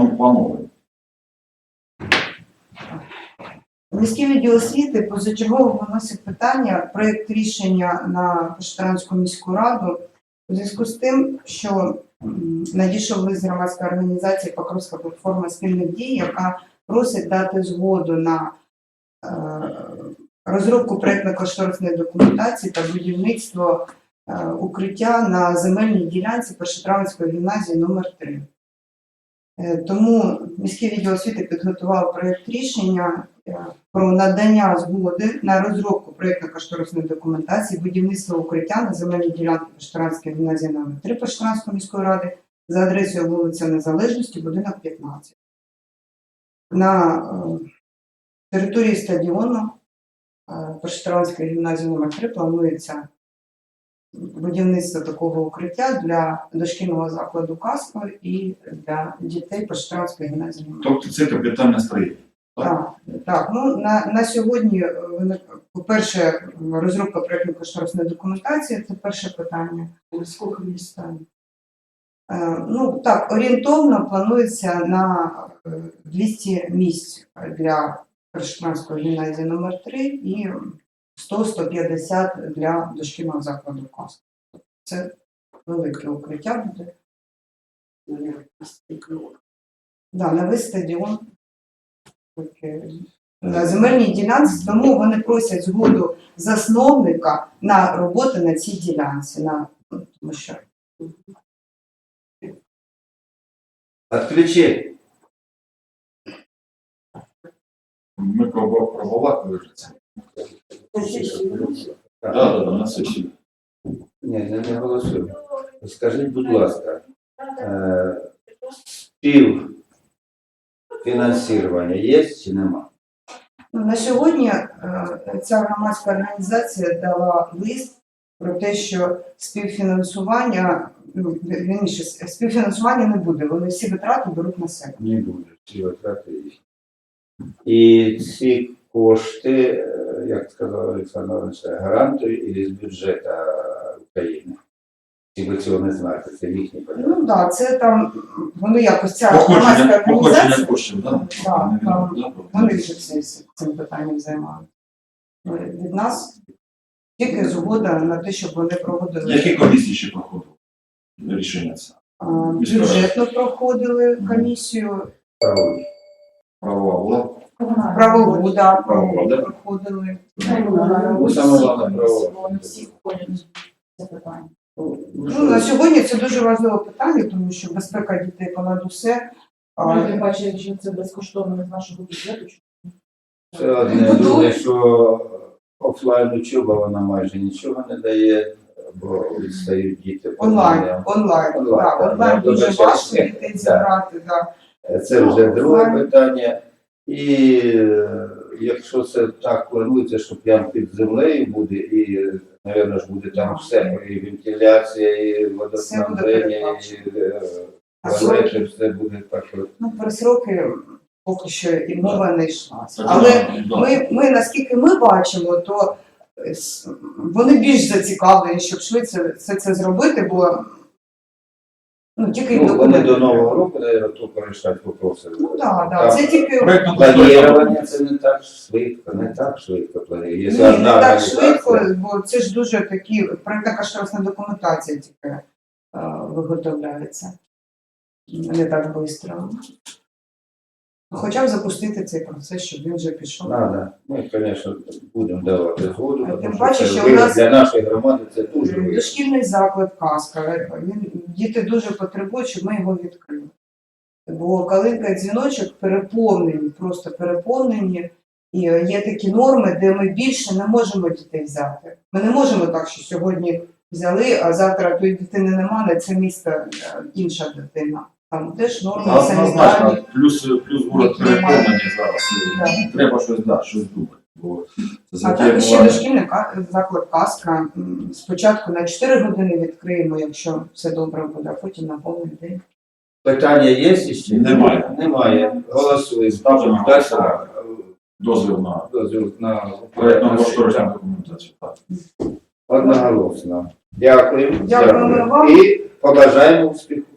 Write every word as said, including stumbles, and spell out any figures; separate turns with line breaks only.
ми плануємо.
Міський відділ освіти позачергово виносить питання, проєкт рішення на Пошетрянську міську раду у зв'язку з тим, що м, надійшов лист з громадської організації Покровська платформа спільних дій, яка просить дати згоду на е, розробку проєктно-кошторисної документації та будівництво е, укриття на земельній ділянці Пошетрянської гімназії номер три. Е, тому міський відділ освіти підготував проєкт рішення е, про надання згоди на розробку проєктно-кошторисної документації будівництва укриття на земельній ділянці Пошетрянської гімназії номер три Пошетрянської міської ради за адресою вулиця Незалежності, будинок п'ятнадцять. На е, території стадіону е, Пошетрянської гімназії номер три планується будівництво такого укриття для дошкільного закладу «Казка» і для дітей Пошетрянської гімназії номер три.
Тобто це капітальне строєння.
Так, так. Ну, на, на сьогодні, по-перше, розробка проєктно-кошторисної документації – це перше питання. Скільки місць? Е, ну, так, орієнтовно планується на двісті місць для Пошетрянської гімназії номер три і сто - сто п'ятдесят для дошкільного закладу «Казка». Це велике укриття буде. Да, на весь стадіон. На земельній ділянці, тому вони просять згоду засновника на роботу на цій ділянці. На, тому що...
Отключи.
Ми пробували вже це. Так, так, на сесії.
Ні, не, не голосуємо. Скажіть, будь ласка, е, співфінансування є чи нема?
Ну, на сьогодні е, ця громадська організація дала лист про те, що співфінансування, ну, вірніше, співфінансування не буде, вони всі витрати беруть на себе.
Не буде, всі витрати є. І ці кошти, е, як сказав Олександр Іванович, гарантують із бюджету України. Чи ви цього не знаєте, це їхні питання?
Ну так, да, це там, вони якось, ця громадська
Походження,
організація,
походження коштів, так?
Так, там, вони вже всі цим питанням займаються. Від нас тільки згода на те, щоб вони проводили.
Які комісії ще проходили? Рішення це?
А, бюджетно проходили комісію,
Правильно.
Правова була?
правову, да,
Правову, да?
проходили.
Ну, саме головне право.
Ну, на сьогодні це дуже важливе питання, тому що безпека дітей понад усе. А,
Ми бачили, що це безкоштовно з нашого бюджету.
Це одне друге, що офлайн учоба, вона майже нічого не дає, бо відстають діти.
онлайн, онлайн,
Онлайн,
так,
так.
онлайн
Ну,
дуже
дуже
важко
ще-
дітей
так.
зібрати, так.
Це вже
Ну,
друге
онлайн.
питання. І е, якщо це так планується, що прямо під землею буде, і, мабуть, ж буде там все, і вентиляція, і водоснабження, і е, туалети, все буде так. от.
Ну, про сроки поки що і мова не йшла.
Так,
Але
да, да.
ми, ми, наскільки ми бачимо, то е, с- вони більш зацікавлені, щоб швидше все це зробити, бо ну, тільки
Ну, вони
документи.
до Нового року, мабуть, тільки вирішать вопроси.
Ну так, да, це тільки
Проєктно
Планування це не так швидко, не так швидко планує.
ні,
Є
не
одна
так
організація.
швидко, бо це ж дуже такі, проєктно-кошторисна документація тільки е, виготовляється. Не так швидко. Хоча б запустити цей процес, щоб він вже пішов.
Надо. Ми, звісно, будемо давати згоду,
А тим
тому
паче,
що це
що у
ви-
нас-
для нашої громади це дуже важливо.
Дошкільний заклад «Казка». Він, діти дуже потребують, щоб ми його відкрили. Бо калинка і дзвіночок переповнені, просто переповнені. І є такі норми, де ми більше не можемо дітей взяти. Ми не можемо так, що сьогодні взяли, а завтра тої дитини нема, на це місто е, інша дитина. Там теж норми санітарні.
Однозначно, плюс, плюс город
Які немає.
переповнений зараз.
Так.
Треба щось, да, щось думати. Бо це
А так
затія
ще
була-
дошкільний ка- заклад «Казка». М, Спочатку на чотири години відкриємо, якщо все добре буде, а потім на повний день.
Питання є ще?
Немає.
Немає. Голосуємо.
Ставте на
Дальше,
голосування. Дозвіл на
дозвіл на
проєктно-кошторисну документацію. Так.
одноголосно. Дякую.
Дякуємо вам.
І побажаємо успіху.